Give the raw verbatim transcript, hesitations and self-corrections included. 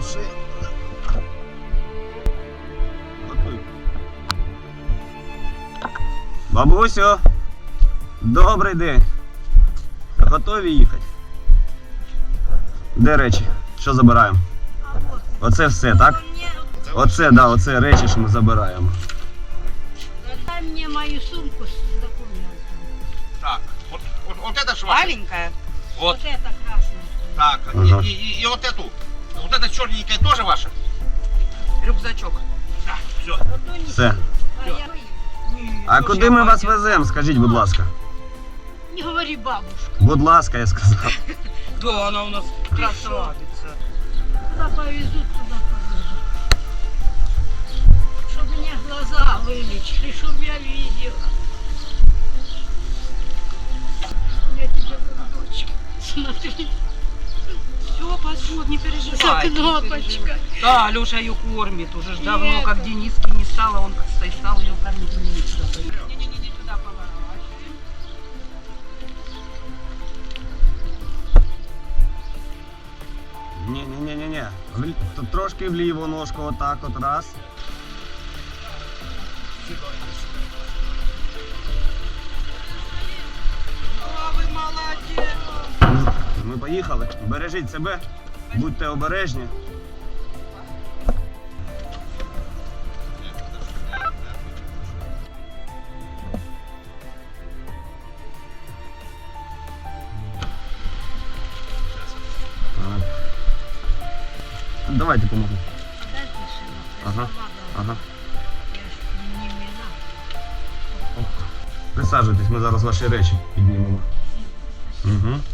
душі. Готуй. Бабусю, добрий день. Готові їхати? Де речі? Що забираємо? Оце все, так? Оце, да, оце речі, що ми забираємо. Дай мне мою сумку с документами. Так, вот, вот, вот это ж ваше. Маленькая. Вот, Вот это красное. так, Ага. и, и, и вот эту. Вот эта черненькая тоже ваша? Рюкзачок. Да, все. Вот то не Все. А я... А куди ми вас веземо, скажіть, будь ласка? Не говори бабушка. Будь ласка, я сказав. Да, она у нас красавица. Куда повезут, туда повезут. Чтобы мне глаза вылечили, чтобы я видела. Я тебе как дочка. Смотри, Все, пойдет, не переживай. за кнопочкой. Да, Леша ее кормит уже ж И давно, это. как Дениски не стало, он кстати, стал ее кормить. Не-не-не, туда поворачиваем. Ні-ні-ні-ні. Тут трошки вліво ножку, отак от раз. О, вы молодец. Ми поїхали. Бережіть себе, будьте обережні. Так. Давайте поможу. Дайте сына. Ага, ага. Я ж не мила. Присаджуйтесь, ми зараз ваші речі піднімемо. Угу.